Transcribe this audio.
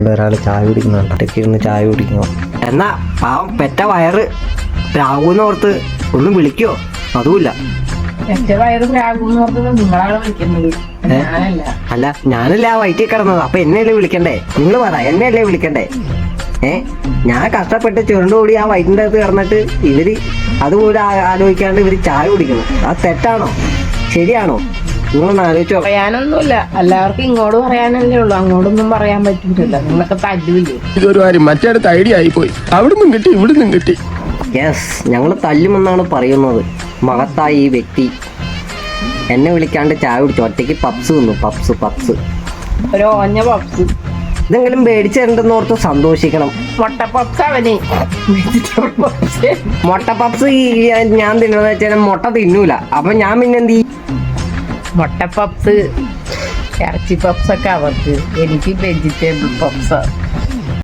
ഒരാൾ ചായ കുടിക്കുന്നുണ്ട്, ഒറ്റയ്ക്ക് ഇരുന്ന് ചായ കുടിക്കുന്നു. എന്നാ പാവം പെറ്റ വയറ് രാഹുവിനോർത്ത് ഒന്നും വിളിക്കോ? അതുമില്ല. അല്ല, ഞാനല്ലേ ആ വയറ്റിൽ കിടന്നത്, അപ്പൊ എന്നെയല്ലേ വിളിക്കണ്ടേ? നിങ്ങൾ പറ, എന്നെയല്ലേ വിളിക്കണ്ടേ? ഞാൻ കഷ്ടപ്പെട്ട് ചുരുണ്ടുകൂടി ആ വയറ്റിൻ്റെ അകത്ത് കിടന്നിട്ട് ഇവര് അതുപോലെ ആലോചിക്കാണ്ട് ഇവര് ചായ കുടിക്കണം. അത് തെറ്റാണോ ശരിയാണോ? നിങ്ങളൊന്ന് ആലോചിച്ചോ. പറയാനൊന്നുമില്ല, എല്ലാവർക്കും ഇങ്ങോട്ട് പറയാനല്ലേ ഉള്ളൂ, അങ്ങോട്ടൊന്നും പറയാൻ പറ്റില്ല. നിങ്ങളൊക്കെ തല്ലില്ലേ? ഇതൊരു കാര്യം മറ്റേടത്ത് ഐഡിയ ആയിപ്പോയി. അവിടുന്നും കിട്ടി ഇവിടുന്നും കിട്ടി. യെസ്, ഞങ്ങൾ തല്ലുമെന്നാണ് പറയുന്നത്. മഹത്തായ ഈ വ്യക്തി എന്നെ വിളിക്കാണ്ട് ചായ കുടിച്ചു, ഒറ്റയ്ക്ക് പപ്സ് തിന്നു. പപ്സ് ഒരു ഓഞ്ഞ പപ്സ് ഇതെങ്കിലും മേടിച്ചിട്ടുണ്ടെന്ന് ഓർത്ത് സന്തോഷിക്കണം. മുട്ട പപ്സ് അവന് മുട്ട പപ്സ് ഞാൻ തിന്നണെന്ന് വെച്ചാൽ മുട്ട തിന്നൂല. അപ്പൊ ഞാൻ പിന്നെ എന്ത് ചെയ്യും? മുട്ട പപ്സ്, ഇറച്ചി പപ്സ് ഒക്കെ അവർക്ക്, എനിക്ക് വെജിറ്റബിൾ പപ്സ്.